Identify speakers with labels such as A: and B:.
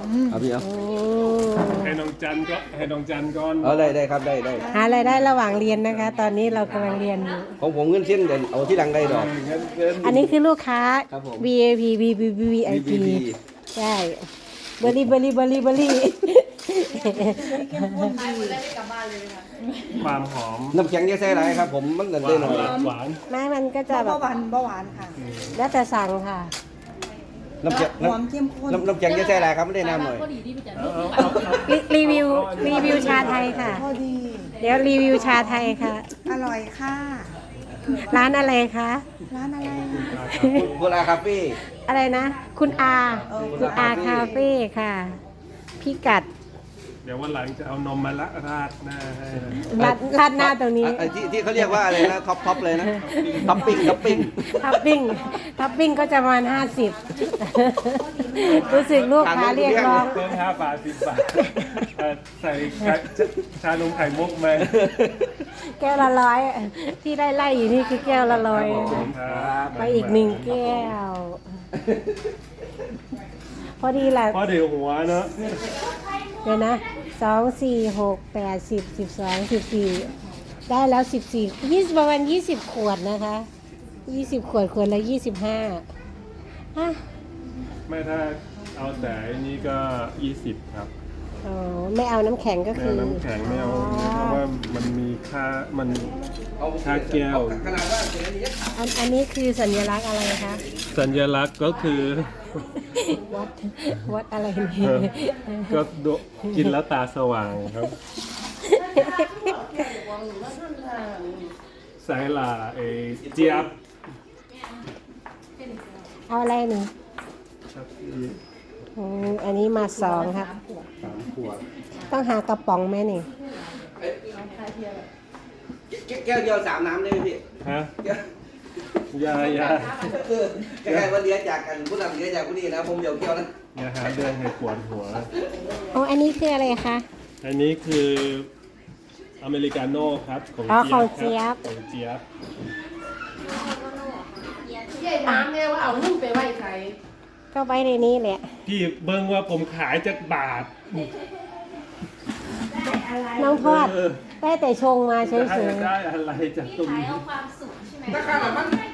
A: เอาพี่เอา
B: ให้น้องจันก่อน
A: เอาได้ครับได้
C: หารายได้ระหว่างเรียนนะคะ ตอนนี้เรากำลังเรียนอยู่
A: ของผมเงินเส้นเดี๋ยวเอาที่หลังได้ดอก
C: อันนี้คือลูกค้า
A: ครับผม
C: VIP VIP ใช่เบอร์รี่
B: ความหอม
A: น้ำแข็งจะใส่อะไรครับผมมันได้หน่อย
B: หวาน
C: แม่มันก็จะแบบ
D: เบาหวานค่ะ
C: แล้วแต่สั่งค่ะ
A: น้ำแข็ง
D: หอมเข้มข้น
A: น้ำแข็งจะใส่อะไรครับไม่ได้น้ำหน่อย
C: รีวิวชาไทยค่ะ
D: พอดี
C: เดี๋ยวรีวิวชาไทยค่ะ
D: อร่อยค่ะ
C: ร้านอะไรคะ
D: ร้านอะไร
A: โบราคาเฟ่
C: อะไรนะ คุณอาคาเฟ่ค่ะ พิกัด
B: เดี๋ยววันหลังจะเอานมมาละราดหน้าให้
C: ราดหน้าตรงนี้
A: ที่เขาเรียกว่าอะไรนะท็อปเลยนะท็อปปิ้ง
C: ท็อปปิ้งก็จะประมาณ50 รู้สึกลูกค้าเรียกร้อง
B: เพิ่ม5 บาท 10 บาทใส่ชานมไข่มุกไหม
C: แก้วละ100ที่ได้ไล่อยู่นี่คือแก้วละ100ไปอีก1แก้ว พอดีแหละ
B: เพราะเดี๋ยวหัวเนาะ
C: เดี๋ยวนะ2 4 6 8 10 12 14ได้แล้ว14ประมาณ20 ขวดนะคะ20 ขวดละ25ฮะ
B: ไม่ถ้าเอาแต่อันนี้ก็ 20 ครับ
C: อ๋อไม่เอาน้ำแข็งก็
B: ไม่
C: คื
B: เอา
C: อ
B: น้ำแข็งไม่เอาเพราะว่ามันมีค่าแก้ว
A: ขนาดว่า
C: อันนี้คือสัญลักษณ์อะไรคะ
B: สัญลักษณ์ก็คือ
C: วัดอะไรนี่
B: ก็กินแล้วตาสว่างครับ สายลาเจี๊ยบ
C: เอาอะไรหนึ่ง
B: ครับ
C: อันนี้มา2ครับ
B: 3 ขวด
C: ต้องหากระป๋องไหมนี่
A: แก้วเดียว3 น้ำได้ไหมพี่
B: ฮะยา
A: แค่ว่าเลี้ยจากกันผู้นำเลี้ยจากผู้นี้นะผมเดี๋ยวแก้วนะ
B: ยาหาเดือนให้ปวดหัว
C: อันนี้คืออะไรคะ
B: อันนี้คืออเมริกาโน่ครับของ
C: ของ
B: เจี๊
C: เจี๊
B: ย
C: ย
B: บบ ของเจี๊ยบ
E: ใหญ่น้ำเนี่ยว่าเอานุ่มไปไว้ใคร
C: ก็ไว้ในนี้แหละ
B: พี่เบิ้งว่าผมขายจากบาท
C: น้องทอดได้แต่ชงมาเฉ
B: จะให้
C: ย
B: ได้อะไรจากตรงนี้
E: เอาความสุขใช่ไหม
D: ราคาแบบมัน